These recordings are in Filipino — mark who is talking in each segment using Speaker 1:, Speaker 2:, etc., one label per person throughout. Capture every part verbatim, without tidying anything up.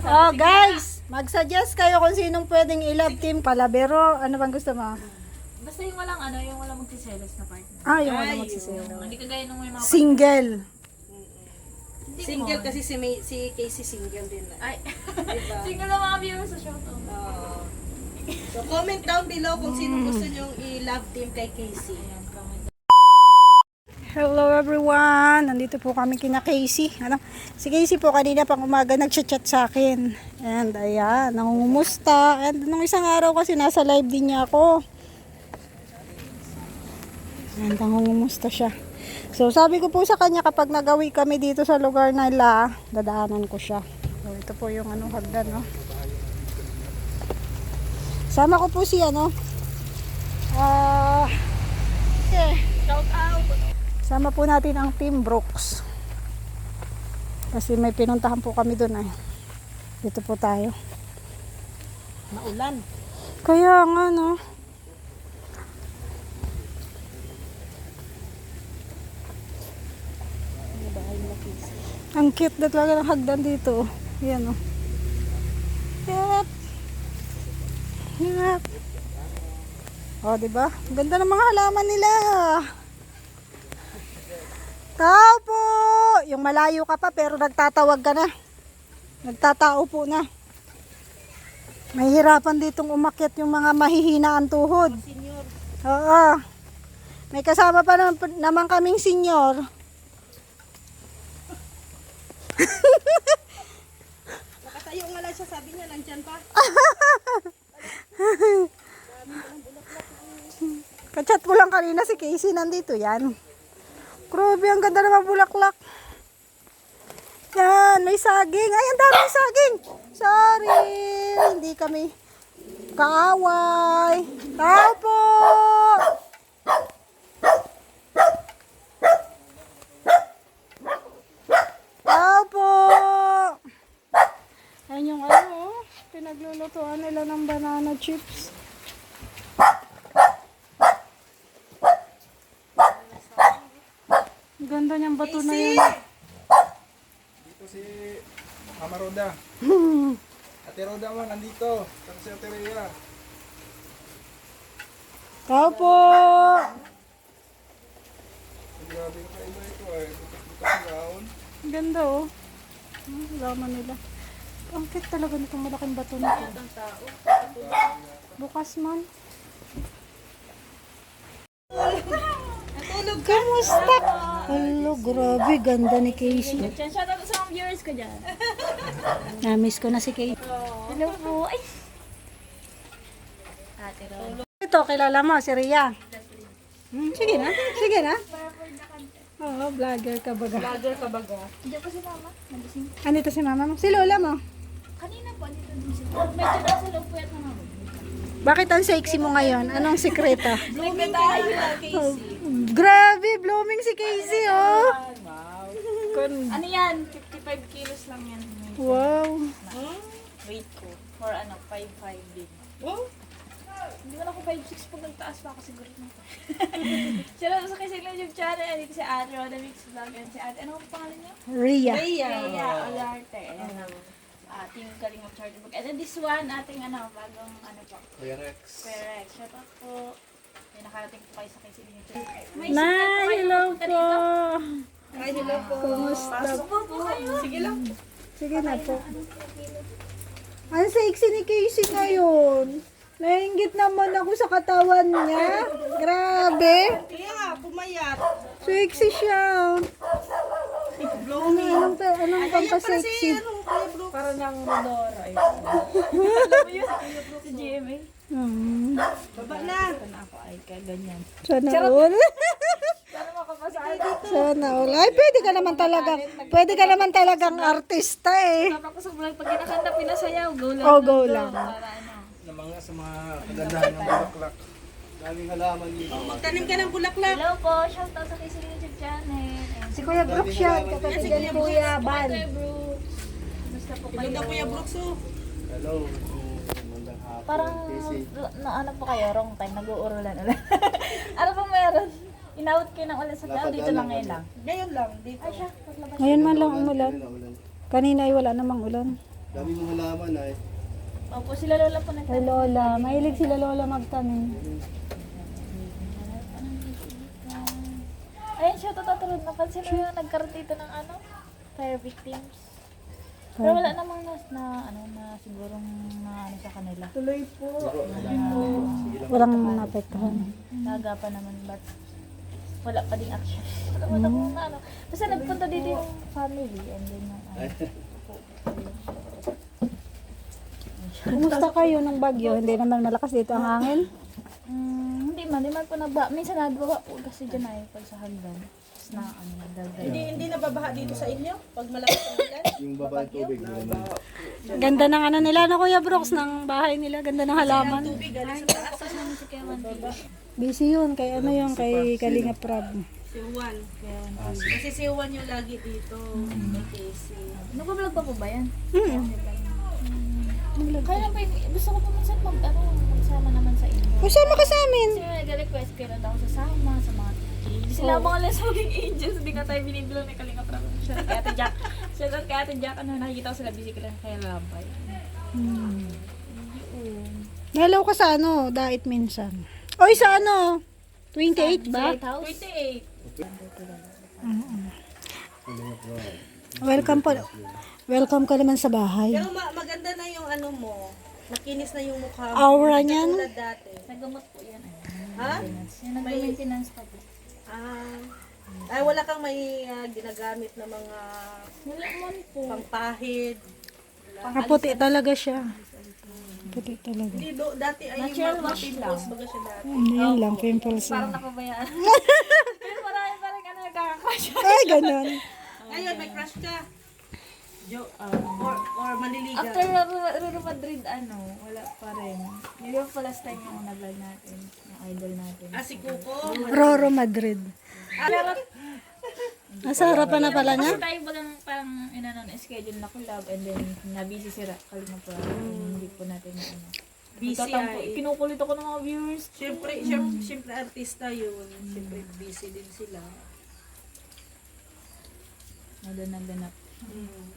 Speaker 1: Oh, guys, mag-suggest kayo kung sinong pwedeng i-love team palabero. Ano bang gusto mo?
Speaker 2: Basta yung walang ano, yung walang magsiselos na partner.
Speaker 1: Ah, yung ano magsiselo.
Speaker 2: Hindi kagaya nung may mga
Speaker 1: Single.
Speaker 2: Hindi
Speaker 3: Single
Speaker 2: mo.
Speaker 3: kasi si, May, si Casey single din na.
Speaker 2: Ay,
Speaker 3: Diba?
Speaker 2: single na mga viewers sa show to.
Speaker 3: Oo. So comment down below kung sino gusto nyong i-love team kay Casey.
Speaker 2: Ayan, comment.
Speaker 1: Hello everyone! Nandito po kami kina Casey. Ano? Si Casey po kanina pang umaga nagchat-chat sa akin. And ayan, nangungumusta. And nung isang araw kasi nasa live din niya ako. And nangungumusta siya. So sabi ko po sa kanya kapag nagawi kami dito sa lugar nila, dadaanan ko siya. So ito po yung ano, hagdan, no? Sama ko po si ano. Ah... okay.
Speaker 2: Shout out!
Speaker 1: Sama po natin ang Team Brooks. Kasi may pinuntahan po kami doon ay. Dito po tayo.
Speaker 3: Maulan.
Speaker 1: Kaya nga no. Ang cute na talaga ng hagdan dito. Yan o. Yep. Yep. O, diba? Ganda ng mga halaman nila. Tao po! Yung malayo ka pa pero nagtatawag ka na. Nagtatao po na. Mahihirapan ditong umakyat yung mga mahihina ang tuhod.
Speaker 3: Senior.
Speaker 1: Oo. May kasama pa naman, naman kaming senior.
Speaker 3: Nakatayo nga lang siya, sabi niya, nandyan pa.
Speaker 1: Kachat ko lang kanina si Casey, nandito yan. Grabe, ang ganda naman bulaklak. Yan, may saging. Ay, ang daming saging. Sorry, hindi kami kaaway. Tao po! Tao po! Ayan yung ano, oh. Pinaglulutuan nila ng banana chips. Ang ganda niyang bato na yan.
Speaker 4: Dito si Mama Roda. Ate Roda man, nandito. Saka si Ate Rhea.
Speaker 1: Tao po!
Speaker 4: Grabe yung kaiba ito eh. Bukas-bukas ang gaon.
Speaker 1: Ang ganda oh. Hmm, laman nila. Ang cute talaga nitong malaking bato nito. Bukas man.
Speaker 3: Natulog ka.
Speaker 1: Kamusta? Hello, grabe. Ganda ni Casey.
Speaker 2: Diyan, shout out sa mga viewers ko dyan.
Speaker 1: Na-miss ko na si Casey.
Speaker 2: Hello po. Ay! Ate Ron.
Speaker 1: Ito, kilala mo, si Rhea. Hmm, sige na. Sige na. Oo, vlogger ka baga.
Speaker 3: Vlogger ka baga.
Speaker 2: Diyan po si mama. Nandising.
Speaker 1: Andito si mama mo. Si lola mo.
Speaker 2: Kanina po, dito din si mama. Medyo nasa loob po yan na mama.
Speaker 1: Bakit ang sexy mo ngayon? Anong sekreto?
Speaker 3: Blooming tayo na, Casey.
Speaker 1: Grabe, blooming si Casey, oh. Kun-
Speaker 2: Ano yan? fifty-five kilos lang yan.
Speaker 1: Wow.
Speaker 2: Weight ko. For ano, five five din.
Speaker 3: Oh,
Speaker 2: Hindi mo na ako five six pag nagtaas pa ako siguro na. Shout out sa kasi YouTube channel. Dito si Ate Roda Mix Vlog. And si Ate, ano ang pangalan niya?
Speaker 1: Rhea.
Speaker 3: Rhea.
Speaker 2: Kaya Olarte. Ayan ang ating Kalingap Charter Book. And then this one, ating ano, bagong ano po.
Speaker 4: Kuya Rex.
Speaker 2: Correct. Shout out po. May nakarating po kayo sa kasi YouTube. May
Speaker 1: Na,
Speaker 2: sikat po kayo
Speaker 1: hello
Speaker 2: pupunta
Speaker 1: po.
Speaker 2: dito.
Speaker 3: Ay, hello po.
Speaker 1: Kumusta?
Speaker 2: Pasok po po kayo.
Speaker 3: Sige lang.
Speaker 1: Sige na po. Ang sexy ni Casey ngayon. Nainggit naman ako sa katawan niya. Grabe.
Speaker 3: Kaya nga, pumayat.
Speaker 1: Sexy siya.
Speaker 3: Blooming.
Speaker 1: Anong, anong, anong
Speaker 3: Ayan para si,
Speaker 1: pampasexy?
Speaker 3: ano, Kuya Brooks.
Speaker 2: Para ng Rodora. Si G M A.
Speaker 1: Hmm.
Speaker 3: Baba na.
Speaker 2: Na ako ay kaganyan.
Speaker 1: Sana all.
Speaker 2: Para makapasa
Speaker 1: Sana all. Ay, pwede ka naman talagang, pwede ka naman talagang artista eh.
Speaker 2: Tapos sa vlog, pag kinakanta, pinasayaw, go lang.
Speaker 1: Oh, go lang.
Speaker 2: Para ano.
Speaker 4: Na mga sa mga kagandahan ng bulaklak. Daming halaman dito.
Speaker 3: Magtanim ka ng bulaklak.
Speaker 2: Hello po, shout out sa Casey YouTube channel. Ayan.
Speaker 1: Si Kuya Brooks yan, kapatid ni Kuya Bal.
Speaker 2: Kuya Brooks. Kumusta po kayo?
Speaker 3: Ganda Kuya Brooks, oh.
Speaker 4: Hello. Magandang hapon.
Speaker 2: Parang
Speaker 4: Casey.
Speaker 2: na ano po kayo, wrong time, nag-uurulan ulit. Ano pong meron? Inawit kayo ng ulan sa tao, dito lang ngayon lang.
Speaker 3: Ngayon lang, dito.
Speaker 2: Ay siya, paglabas.
Speaker 1: Ngayon man lang umulan.
Speaker 4: Ulan.
Speaker 1: Kanina ay wala namang ulan.
Speaker 5: Dami mong halaman ay.
Speaker 2: Opo, sila lola po nag-
Speaker 1: Kay Lola. Mahilig sila Lola magtanim.
Speaker 2: Ayun siya, tatatarod. Napansin mo yung nagkaroon dito ng ano? Fire victims. Pero wala namang na, na ano na sigurong na ano sa kanila.
Speaker 3: Tuloy po.
Speaker 1: Walang naapektuhan.
Speaker 2: Nagapan naman but wala pa ding action. Wala pa namang na ano. Kasi nagpunta dito yung family and then yung ano.
Speaker 1: Kumusta kayo ng bagyo? Hindi naman malakas dito ang hangin.
Speaker 2: Mm, hindi man, hindi man po nagba. Minsan nagbawa po kasi dyan ay pag sa hagdan. Tapos na ano, nagdagal.
Speaker 3: Hindi hindi nababaha dito sa inyo pag malakas ang ulan.
Speaker 5: Yung baba ng tubig. Naman.
Speaker 1: Ganda ng ano nila na Kuya Brooks ng bahay nila. Ganda ng halaman.
Speaker 3: Tubig galing sa taas.
Speaker 2: Tapos namin si Kewan dito.
Speaker 1: Busy yun. Kay ano yung kay Kalinga Prab.
Speaker 3: Si Juan. Kasi si Juan yung lagi dito. Kay Casey.
Speaker 2: Nag-vlog pa po ba yan?
Speaker 1: Hmm.
Speaker 2: Kaya lang po, yung- gusto ko po minsan mag, ano, magsama naman sa inyo.
Speaker 1: Usama ka sa amin.
Speaker 2: Kasi may nag-request kayo na ako sasama sa mga Hindi sila mga less maging angels. Hindi nga tayo binibilang ni Kalinga Prab. Siya kay Ate Jack. Siya kay Ate Jack. Ano, nakikita ko sila busy ka lang kaya labay.
Speaker 1: Hmm. Nalaw ka sa ano, dait minsan. Oy, sa ano? twenty-eight ba?
Speaker 2: Lighthouse? twenty-eight.
Speaker 1: Welcome po. Welcome ka naman sa bahay.
Speaker 3: Pero ma- maganda na yung ano mo. Makinis na yung mukha mo.
Speaker 1: Aura niyan.
Speaker 3: Tulad dati.
Speaker 2: Nagamot po yan.
Speaker 3: Ha?
Speaker 2: Yan, nag-maintenance pa po.
Speaker 3: Ah. Ay, wala kang may ah, ginagamit na mga
Speaker 2: Wala man po.
Speaker 3: pangpahid.
Speaker 1: Kaputi talaga siya. Puti talaga.
Speaker 3: Hindi, do, dati ay
Speaker 2: Natural
Speaker 3: yung mga
Speaker 2: wash
Speaker 3: pimples baga siya dati.
Speaker 1: Ano yun lang, pimples
Speaker 2: Parang
Speaker 1: lang.
Speaker 2: napabayaan. Pero marami parang ano, nagkakakwasya.
Speaker 1: Ay, ganun.
Speaker 3: Ngayon, may crush ka. Jo, ah, or, or manliligaw.
Speaker 2: After Ruro Madrid, ano, wala pa rin. Yun pa last time yung nag-vlog natin, yung idol natin.
Speaker 3: Ah, si Kuko.
Speaker 1: Roro Madrid.
Speaker 2: Pero,
Speaker 1: Nasa harapan na pala niya?
Speaker 2: kasi tayo bagang parang inanon, schedule na collab and then na-busy si Ra, kalima pa. Hindi po natin na ano.
Speaker 3: Busy
Speaker 2: Nagtatampo,
Speaker 3: ay.
Speaker 2: kinukulit ako ng mga viewers.
Speaker 3: Siyempre, siyempre, siyempre artista yun. Siyempre, busy din sila.
Speaker 2: Naganap-ganap.
Speaker 3: Hmm.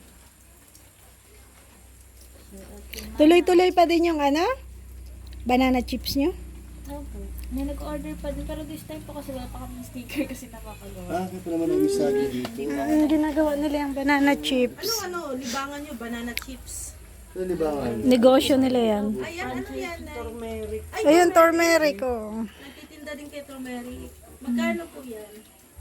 Speaker 1: Tuloy-tuloy pa din yung ano? Banana chips nyo?
Speaker 2: Ano po? May nag-order pa din, pero this time po kasi wala pa kami sticker kasi napakagawa.
Speaker 5: Ah, kaya pa naman ang isagi dito.
Speaker 1: Ang ginagawa nila yung banana chips.
Speaker 3: Ano, ano, libangan nyo, banana chips.
Speaker 5: Ano libangan?
Speaker 1: Negosyo nila yan.
Speaker 3: Ayan, ano yan? Turmeric. Ay,
Speaker 1: Ayun, turmeric oh.
Speaker 3: nagtitinda din kay turmeric. Magkano po yan?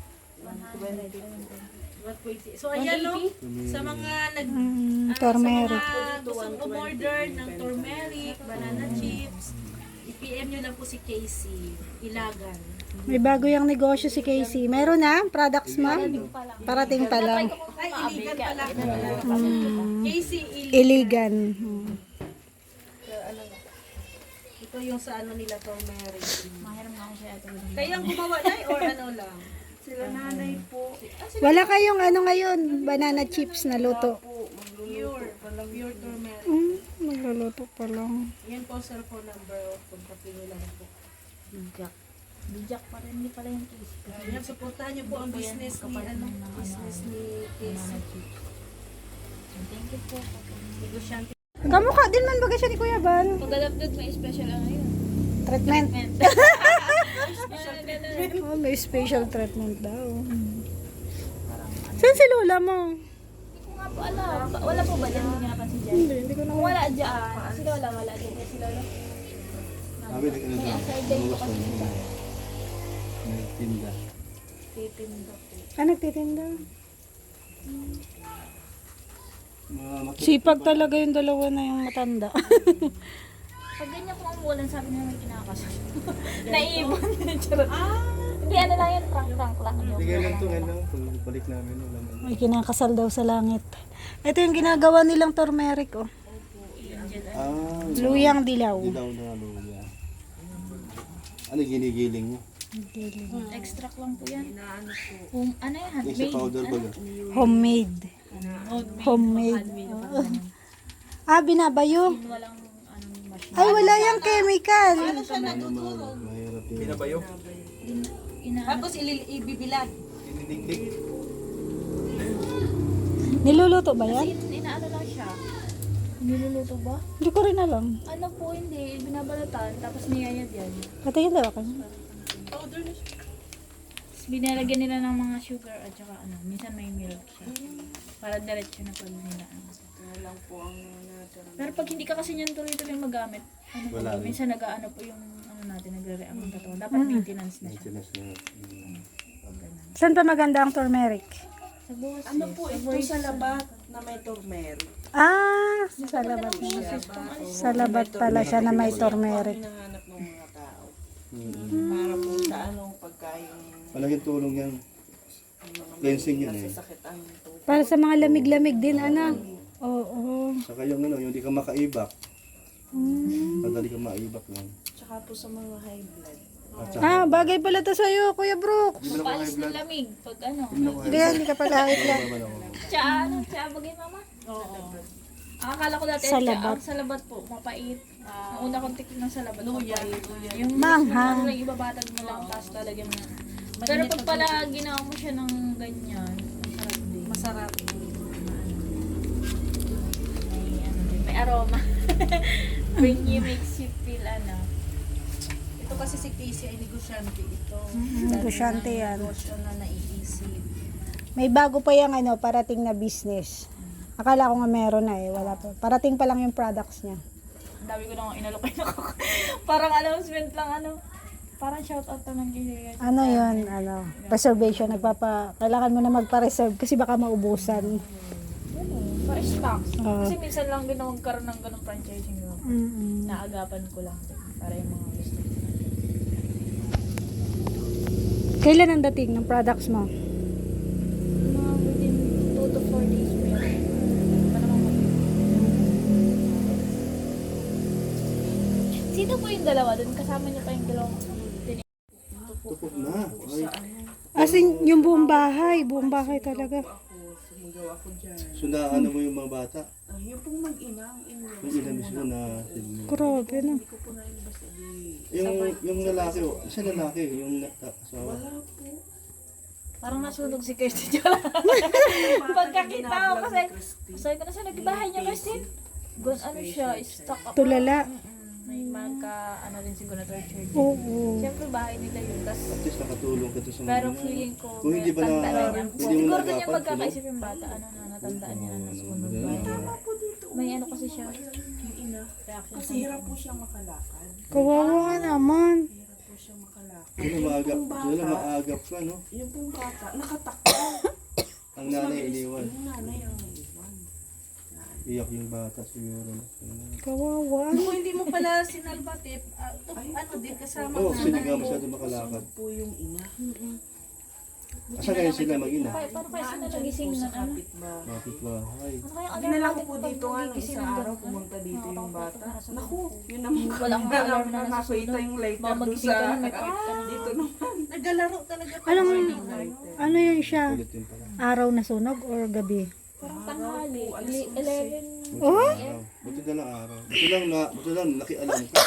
Speaker 3: one twenty. So, ayan no, sa mga nag...
Speaker 1: Mm,
Speaker 3: ah,
Speaker 1: turmeric.
Speaker 3: Sa mga gustong umorder ng turmeric, banana chips, i-P M nyo lang po si Casey. Ilagan.
Speaker 1: May bago yung negosyo si Casey. Meron na? Products ma'am? Parating pa lang.
Speaker 3: Ay, iligan pala. Casey, iligan.
Speaker 1: Iligan. Hmm.
Speaker 3: Ito yung sa ano nila, turmeric.
Speaker 2: Mahiram nga ako siya ate.
Speaker 3: Kayang gumawa na or ano lang? Sila nanay po.
Speaker 1: Wala kayong ano ngayon? Banana chips na luto.
Speaker 3: Pure. Pure turmeric.
Speaker 1: Mm, magluluto pa lang.
Speaker 3: Yan po cellphone number o kontakin nyo lang po.
Speaker 2: Bijak. Bijak pa rin, hindi pala yung case.
Speaker 3: Yan, supportahan nyo po ang business ni, ano, business ni Casey.
Speaker 2: Thank you po.
Speaker 3: Negosyante.
Speaker 1: Kamukha din man baga siya ni Kuya Ban.
Speaker 2: Pag-adapted may special ano yun.
Speaker 1: Treatment.
Speaker 2: Special
Speaker 1: Oh, may special treatment daw. Saan si Lola mo?
Speaker 2: Hindi ko nga po alam. Ba- Wala po ba dyan? Hindi nga napansin dyan.
Speaker 1: Hindi, hindi ko na.
Speaker 2: Kung wala dyan, si Lola wala dyan. Kasi Lola,
Speaker 5: Kami nag-ano
Speaker 2: may
Speaker 5: doon.
Speaker 2: aside day po kasi
Speaker 5: Bukas
Speaker 2: siya.
Speaker 5: na nagtinda.
Speaker 2: Titinda po.
Speaker 1: Ah, nagtitinda.
Speaker 5: Mga makit.
Speaker 1: Sipag talaga yung dalawa na yung matanda.
Speaker 2: Pag ganyan po ang ulan, sabi niya may kinakasal. Naiibon. Charot. Hindi, ano lang yan, prank-prank lang. Yung
Speaker 5: Sige lang to, ngayon lang. Pag balik namin, wala man.
Speaker 1: May kinakasal daw sa langit. Ito yung ginagawa nilang turmeric oh.
Speaker 5: Ah,
Speaker 1: Luyang dilaw.
Speaker 5: dilaw na luya. Ano ginigiling mo?
Speaker 2: extract lang po yan. Um, ano yan,
Speaker 5: Yung sa
Speaker 2: handmade.
Speaker 5: powder ba yun?
Speaker 1: Homemade. Homemade. Oo. Ah, binabayo.
Speaker 2: Walang anong machine.
Speaker 1: Ay, wala yung chemical.
Speaker 5: Ano mga mahirap yun.
Speaker 4: Pinabayo.
Speaker 2: Ina
Speaker 3: Tapos ilil- ibibilad.
Speaker 4: Dinidikdik.
Speaker 1: Niluluto ba yan?
Speaker 2: Kasi inaano lang siya. Niluluto ba?
Speaker 1: Hindi ko rin alam.
Speaker 2: Ano po, hindi. Binabalatan, tapos niyayad yan.
Speaker 1: Patingin daw ako.
Speaker 3: Powder na siya.
Speaker 2: Tapos binalagyan nila ng mga sugar at saka ano, minsan may milk siya. Para diretso na pag nila. Ano.
Speaker 3: Ito lang po ang natira.
Speaker 2: Pero pag hindi ka kasi niyan tuloy-tuloy magamit, ano po,
Speaker 5: Wala rin.
Speaker 2: minsan nag-ano po yung ano natin, nagre-react ang katawan. Dapat maintenance na siya.
Speaker 5: Maintenance na. Mm.
Speaker 2: Pag ganun.
Speaker 1: Saan pa maganda ang turmeric?
Speaker 2: Sa buhos
Speaker 3: Ano
Speaker 2: eh,
Speaker 3: po
Speaker 2: sa
Speaker 3: ito
Speaker 2: voice.
Speaker 3: sa labat na may turmeric?
Speaker 1: Ah, sa labat na. Sa labat pala siya na may turmeric.
Speaker 3: Ang hinahanap ng mga tao.
Speaker 5: Mm.
Speaker 3: Para po sa anong pagkain
Speaker 5: Malaking tulong yan. Cleansing yun eh.
Speaker 3: sakit ang tubig.
Speaker 1: Para sa mga lamig-lamig din, anak. Oo.
Speaker 5: Saka yung ano, yung hindi ka makaibak. Madali ka maibak yan.
Speaker 3: Tsaka po sa mga high blood.
Speaker 5: At saka,
Speaker 1: Ah, bagay pala to sa'yo, Kuya Brooks.
Speaker 5: hindi mo na ako high
Speaker 2: Paalis ng
Speaker 5: blood.
Speaker 2: lamig. Pag ano.
Speaker 5: Hindi mo na ako high
Speaker 1: Hindi,
Speaker 5: blood.
Speaker 1: hindi ka pala high blood.
Speaker 5: Hindi mo na ako.
Speaker 2: Tsa, ano? Tsa, bagay mama?
Speaker 3: Oo.
Speaker 2: Ang akala ko dati,
Speaker 1: Sa
Speaker 2: tsa,
Speaker 1: labat.
Speaker 2: ang sa labat po, mapait. Ang una kong tikman ng sa labat,
Speaker 3: Luya,
Speaker 2: mapait.
Speaker 3: luya.
Speaker 2: Yung
Speaker 1: Manghang.
Speaker 2: ano lang, ibabatag mo lang, tapos talagyan mo. Pero pag pala ginawa mo siya ng ganyan, masarap din.
Speaker 3: Masarap.
Speaker 2: May, ano, din, may aroma. When you makes you feel ano.
Speaker 3: Ito kasi si Casey ay negosyante ito.
Speaker 1: negosyante yan.
Speaker 3: Negosyo na naiisip.
Speaker 1: May bago pa yung ano, parating na business. Akala ko nga meron na eh, wala pa. Parating pa lang yung products niya.
Speaker 2: Ang dami ko nang inalokay na ako. Parang announcement lang ano. Parang shout out to ng Gilea.
Speaker 1: Ano yun, ano, preservation, nagpapa, kailangan mo na magpa-reserve kasi baka maubusan.
Speaker 2: Para stocks.
Speaker 1: Oo.
Speaker 2: Kasi minsan lang din ako magkaroon ng ganong franchising no?
Speaker 1: Mm-mm.
Speaker 2: Naagapan ko lang din. Para yung mga gusto.
Speaker 1: Kailan ang dating ng products mo?
Speaker 2: Mga within two to four days meron. Hindi pa naman mag- Sino po yung dalawa doon? Kasama niyo pa yung dalawang tin-
Speaker 5: Tupok na. Ay,
Speaker 1: As in, yung buong bahay, buong bahay talaga.
Speaker 3: Ako, sumigaw ako dyan.
Speaker 5: so naano mo yung mga bata.
Speaker 3: Ah, yung pong mag-ina, ang ina.
Speaker 5: Yung ilan mismo na
Speaker 1: Grabe na.
Speaker 3: Hindi ko po nailabas adi.
Speaker 5: yung yung lalaki, oh, isa lalaki, yung na- asawa.
Speaker 3: Wala po.
Speaker 2: Parang nasunog si Kirsty. Pagkakita ko kasi, sabi ko na sa nagbahay niya Kirsty. Gun, ano siya, stuck up.
Speaker 1: Tulala.
Speaker 2: Mm-mm. May magka, ano rin siguro na torture din.
Speaker 1: Oo.
Speaker 2: Siyempre bahay nila yun. Tas,
Speaker 5: At least nakatulong ka to sa mga
Speaker 2: pero
Speaker 5: ganyan.
Speaker 2: feeling ko,
Speaker 5: Kung hindi ba na,
Speaker 2: tanda na niya.
Speaker 5: hindi mo
Speaker 2: Siguro din yung
Speaker 5: nagapan,
Speaker 2: pagkakaisip yung bata, ano na, natandaan niya na nasunog.
Speaker 5: Oo,
Speaker 2: May,
Speaker 5: ano,
Speaker 2: may ano kasi siya,
Speaker 3: Yung ina.
Speaker 2: reaction.
Speaker 3: Kasi hirap po siyang makalakad.
Speaker 1: Kawawa ka naman.
Speaker 3: Hirap po siyang makalakad.
Speaker 5: Yun ang maagap, yun ang maagap ka, no?
Speaker 3: Yung pong bata, nakatakbo.
Speaker 5: Ang nanay iniwan.
Speaker 3: Yung nanay ang naiwan.
Speaker 5: Iyak yung bata siguro.
Speaker 1: Kawawa.
Speaker 3: Kung hindi mo pala sinalbatip, uh, ano din kasama
Speaker 5: Oo, oh,
Speaker 3: na
Speaker 5: sinigaw masyado makalakad.
Speaker 3: po yung ina.
Speaker 5: Asa kayo sila mag-ina?
Speaker 2: Kaya, paano kaya sila nagising
Speaker 3: Po
Speaker 2: na
Speaker 3: sa
Speaker 2: ano?
Speaker 3: kapitbahay.
Speaker 5: Bakit bahay?
Speaker 2: Ano kaya alarm
Speaker 3: Dinala ko
Speaker 2: natin
Speaker 3: po
Speaker 2: pag
Speaker 3: dito nga ng
Speaker 2: nagigising
Speaker 3: isang
Speaker 2: ng
Speaker 3: araw,
Speaker 2: ganun?
Speaker 3: pumunta dito
Speaker 2: Oo,
Speaker 3: yung bata.
Speaker 2: kapag nasa
Speaker 3: Naku,
Speaker 2: baba.
Speaker 3: yun naman.
Speaker 2: Wala kang alarm na
Speaker 3: nakita
Speaker 2: nasusunod.
Speaker 3: yung lighter
Speaker 2: Baka
Speaker 3: doon
Speaker 2: magising ka
Speaker 3: sa...
Speaker 2: na, may pakit ka na.
Speaker 3: Dito naman. Naglalaro talaga po.
Speaker 1: Anong, ano yun siya?
Speaker 5: Kulit yun pala.
Speaker 1: Araw na sunog or gabi?
Speaker 2: Parang tanghali, ele- eleven.
Speaker 1: Oh?
Speaker 5: Araw. Buti na lang araw. Buti lang na, buti lang nakialam ka.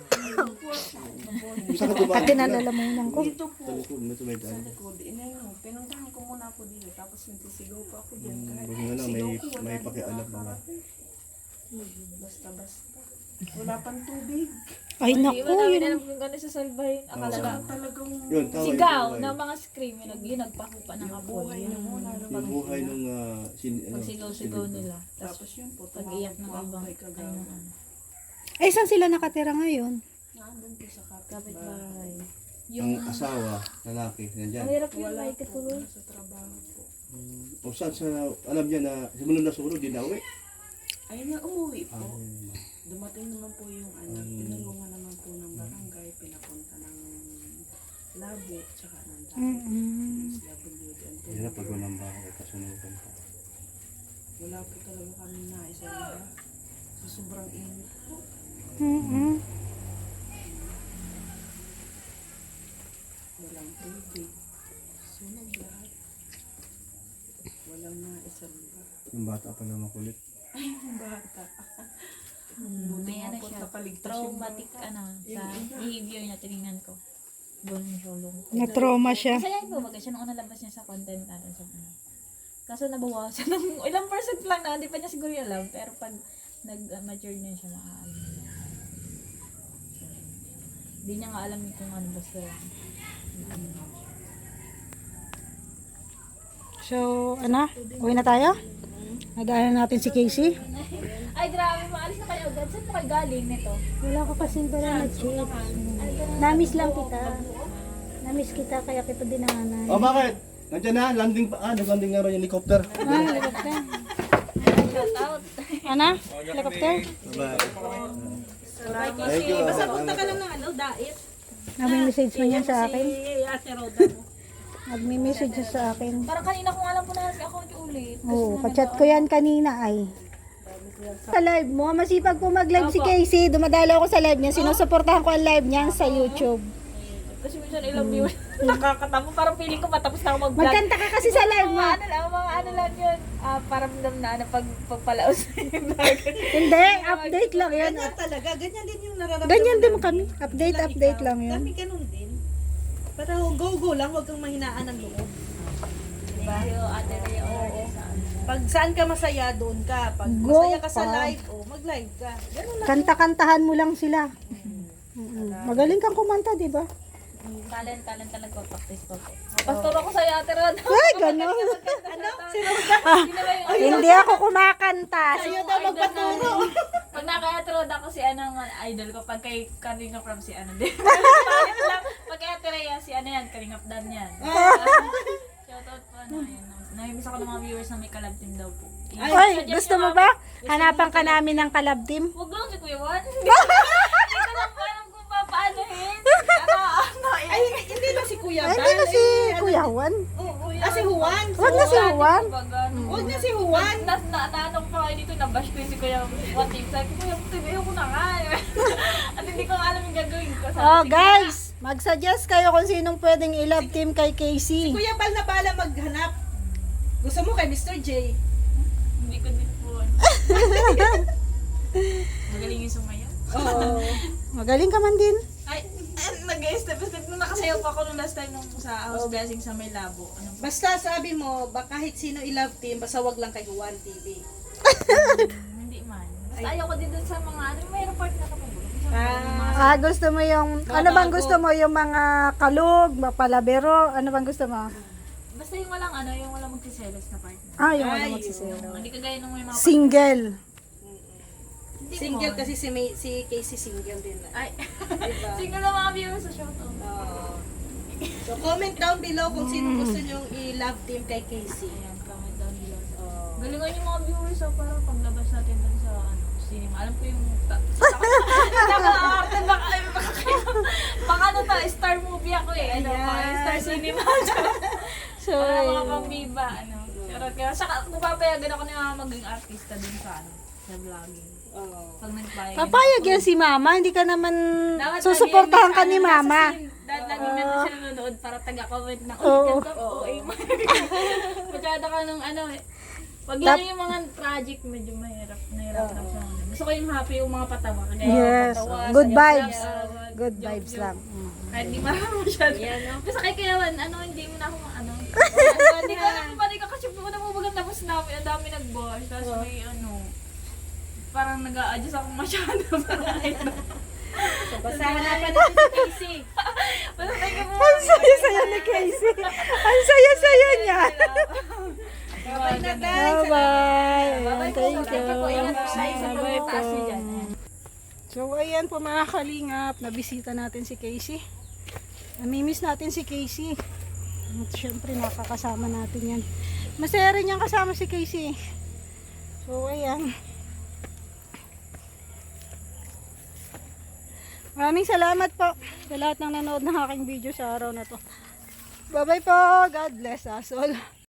Speaker 5: Saan ka dumaan?
Speaker 1: Pati nalalamunan ko.
Speaker 3: Dito po.
Speaker 5: Sa likod, may tumay
Speaker 3: Sa
Speaker 5: daan.
Speaker 3: likod. Inano, pinuntahan ko muna ako dito. Tapos nagtisigaw pa ako dyan. Kahit
Speaker 5: Buti na lang, may,
Speaker 3: sigaw ko, wala
Speaker 5: may
Speaker 3: din
Speaker 5: pakialam mga.
Speaker 3: nakakarating. Basta-basta. Wala pang tubig.
Speaker 1: Ay
Speaker 2: Hindi
Speaker 1: naku,
Speaker 2: mo namin
Speaker 1: yun.
Speaker 2: alam kung gano'n sa salbahin. Akala
Speaker 5: Oo.
Speaker 2: lang.
Speaker 3: Talagang
Speaker 5: Yun, tama yung
Speaker 2: Sigaw
Speaker 5: buhay.
Speaker 2: ng mga scream, yun, nag- yun nagpahupa ng apoy.
Speaker 3: buhay niyo muna.
Speaker 5: Yung buhay nung uh, sin, ano,
Speaker 2: Pag sigaw-sigaw
Speaker 5: sinigba.
Speaker 2: nila. Tapos
Speaker 3: Tapos yun po.
Speaker 2: pag-iyak ng
Speaker 3: tumawag
Speaker 2: ibang,
Speaker 3: po kay
Speaker 2: ano,
Speaker 3: Kagawa.
Speaker 2: ano.
Speaker 1: Ay, saan sila nakatira ngayon?
Speaker 3: Nandun po sa kapitbahay.
Speaker 2: Kapit-bahay.
Speaker 5: Ang
Speaker 2: Yung,
Speaker 5: asawa, lalaki, nandyan.
Speaker 2: ang hirap yun,
Speaker 3: Wala
Speaker 2: may
Speaker 3: po.
Speaker 2: katuloy.
Speaker 3: Sa trabaho po.
Speaker 5: Mm, O saan sa, alam niya na, simula na sunog, di na uwi.
Speaker 3: Ayun na, umuwi po.
Speaker 5: Ah,
Speaker 3: Dumating naman po yung ano,
Speaker 5: Mm.
Speaker 3: pinulungan naman po ng barangay, pinapunta ng labo, tsaka ng dati.
Speaker 1: Mm-mm.
Speaker 3: S W D. and
Speaker 5: hirap pag walang bahay, kasunugan pa.
Speaker 3: Wala po talaga kami na isa iba. Sa sobrang init po.
Speaker 1: Mm-mm.
Speaker 3: Walang tubig. Sunog lahat. Walang na isa iba.
Speaker 5: Yung bata pa na makulit.
Speaker 3: Ay, yung bata.
Speaker 2: Hmm, may ano
Speaker 3: po,
Speaker 2: siya,
Speaker 3: nakaligtas yung
Speaker 2: traumatic
Speaker 3: bata.
Speaker 2: ano, sa behavior niya, tinignan ko. Doon siya lungkot.
Speaker 1: Na-trauma siya.
Speaker 2: Masaya po, baga siya nung una labas niya sa content natin sa ano. Kaso nabawasan ng ilang percent lang na, hindi pa niya siguro yung alam. Pero pag nag-mature na siya, makaalam na niya. Hindi niya nga alam kung ano basta lang.
Speaker 1: So, ano? Uwi na tayo? Nagdaanan natin si Casey.
Speaker 2: Ay, grabe, maalis na kayo agad. Saan mo kayo galing nito?
Speaker 6: Wala ko kasing banana chips. Namiss lang kita. Namiss kita kaya kita dinaanan.
Speaker 5: Oh, bakit? Nandiyan na, landing pa. Ah, nag-landing nga rin yung helicopter.
Speaker 1: Ah, helicopter.
Speaker 2: Shout out.
Speaker 1: Ano? Helicopter?
Speaker 5: Bye.
Speaker 3: Thank you. Basta punta ka lang ng ano, dait.
Speaker 1: Nagme-message man yan sa akin.
Speaker 3: Si Ate Roda mo.
Speaker 1: Nagme-message siya sa akin.
Speaker 2: Parang kanina ko nga lang po na si account yung ulit.
Speaker 1: Oo, kachat ko yan kanina ay. Sa live mo, masipag po mag-live si Casey. Dumadalo ako sa live niya. Sinusuportahan ko ang live niya sa YouTube.
Speaker 2: Kasi minsan ilang views. Nakakatamo. Parang feeling ko matapos na ako mag-vlog.
Speaker 1: Magkanta ka kasi sa live mo.
Speaker 2: Mga ano lang, mga ano lang yun. Ah, parang dam na ano, pag, pagpalaos na yung vlog.
Speaker 1: Hindi, update lang yun.
Speaker 3: Ganyan talaga. Ganyan din yung nararamdaman.
Speaker 1: Ganyan din mo kami. Update, update lang yun.
Speaker 3: Kami ganun din. Pero go-go lang, huwag kang mahinaan ng loob.
Speaker 2: Thank you, Ate Rhea. Oo.
Speaker 3: Pag saan ka masaya, doon ka. Pag
Speaker 1: Go
Speaker 3: masaya ka sa
Speaker 1: pa.
Speaker 3: live, oh, mag-live ka. Ganun lang.
Speaker 1: Kanta-kantahan mo lang sila. Mm-mm. Magaling kang kumanta, di ba?
Speaker 2: Talent, talent talaga ko. Practice ko po. Pastor ako sa Ate Rhea.
Speaker 1: Ay, gano'n.
Speaker 2: Ano? Si Roda.
Speaker 1: Hindi ako kumakanta.
Speaker 2: Sa'yo daw magpaturo. Pag naka-Ate Rhea ako si ano ang idol ko. Pag kay Kalinga from si ano din. Palit lang. Pag kay Ate Rhea, si ano yan, Kalingap Dan yan. Shoutout po ano. Ayun. Namimiss ako ng mga viewers na may collab team daw po.
Speaker 1: Ay, gusto mo ba? Hanapan ka namin ng collab team?
Speaker 2: Huwag lang si Kuya Juan. Hindi ko lang alam kung papaanohin. Ano, ano,
Speaker 3: Ay, hindi na si Kuya
Speaker 1: Ay,
Speaker 3: Bal.
Speaker 1: hindi na si Kuya Juan.
Speaker 3: Ah, si Juan.
Speaker 1: Huwag na si Juan.
Speaker 3: Huwag na si Juan.
Speaker 2: Na, na, naanong pa kayo dito, nabash ko yung si Kuya Juan team. Sabi ko, Kuya, tibayo ko na nga. At hindi ko alam yung gagawin ko. Sabi,
Speaker 1: Oh,
Speaker 2: sige
Speaker 1: guys, mag-suggest kayo kung sinong pwedeng i-love team kay Casey.
Speaker 3: Kuya Bal na bala maghanap. Gusto mo kay Mister J.
Speaker 2: na. Hindi ko din po. Magaling yung sumayaw.
Speaker 3: Oo.
Speaker 1: Magaling ka man din.
Speaker 2: Ay, nag-step-step. Nung nakasayaw pa ako nung last time nung sa house blessing sa may labo. Ano ba?
Speaker 3: Basta sabi mo, ba kahit sino i-love team, basta wag lang kay Juan T V.
Speaker 2: Hindi man. Basta ayaw ko din dun sa mga, ano, may report na kapag.
Speaker 3: Ah,
Speaker 1: Ah, gusto mo yung, ano bang gusto mo? Yung mga kalug, palabero? Ano bang gusto mo?
Speaker 2: Basta yung walang ano, yung walang magsiselos na partner.
Speaker 1: Ah, yung ano
Speaker 3: Ay,
Speaker 1: magsiselo.
Speaker 2: Hindi kagaya nung may mga
Speaker 1: Single.
Speaker 2: Hindi
Speaker 3: single
Speaker 2: mo.
Speaker 3: kasi si, May, si Casey single din.
Speaker 2: Ay,
Speaker 3: Diba?
Speaker 2: single na mga viewers sa shoutout.
Speaker 3: Oo. So comment down below kung sino gusto nyong i-love team kay Casey.
Speaker 2: Ayan, comment down below.
Speaker 3: Oo.
Speaker 2: Galingan yung mga viewers so para paglabas natin dun sa ano, cinema. Alam ko yung Naka-arte baka baka kayo. Baka ano to, star movie ako eh. Ano,
Speaker 3: Ayan.
Speaker 2: star cinema. So, para mga pambiba, ano. Pero kaya saka napapayagan ako na maging artista din sa ano, sa vlogging.
Speaker 3: Oo.
Speaker 2: Pag nagpayag.
Speaker 1: Papayag yan si mama, hindi ka naman
Speaker 2: Dapat
Speaker 1: susuportahan ka
Speaker 2: lagi-
Speaker 1: ni
Speaker 2: ano,
Speaker 1: mama.
Speaker 2: nasa scene. Dahil lagi nandun siya nanonood para taga-comment na,
Speaker 1: Oo.
Speaker 2: uy, ganda po, eh. Masyado ka nung ano eh. Pag
Speaker 1: Tap-
Speaker 2: yun yung mga tragic, medyo mahirap, nahirap lang siya. Gusto ko yung happy, yung mga patawa. Kaya
Speaker 1: Yes.
Speaker 2: patawa,
Speaker 1: Good
Speaker 2: sayaw,
Speaker 1: vibes.
Speaker 2: sayaw,
Speaker 1: Good
Speaker 2: joke,
Speaker 1: vibes
Speaker 2: joke.
Speaker 1: lang. Mm.
Speaker 2: Kahit di marami masyado. Basta kay Kayawan, ano, hindi mo na ako, ano. Hindi ko alam kung paano ka kasi po na mabagang tapos namin, ang dami nag-bosh. Tapos may ano, parang nag-a-adjust ako masyado. Parang ano.
Speaker 3: So, basta hanapan natin si Casey.
Speaker 2: Basta thank you po.
Speaker 1: Ang saya-saya ni Casey. Ang saya-saya niya.
Speaker 3: Bye na guys.
Speaker 1: Bye-bye.
Speaker 2: Bye-bye po.
Speaker 1: Thank you.
Speaker 2: Thank you po. Ingat po tayo sa
Speaker 1: Bye-bye po.
Speaker 2: pagtaas niyo dyan.
Speaker 1: So, ayan po mga kalingap. Nabisita natin si Casey. Namimiss natin si Casey. At syempre, nakakasama natin yan. Masaya rin yung kasama si Casey. So, ayan. Maraming salamat po sa lahat ng nanood ng aking video sa araw na to. Bye-bye po. God bless us all.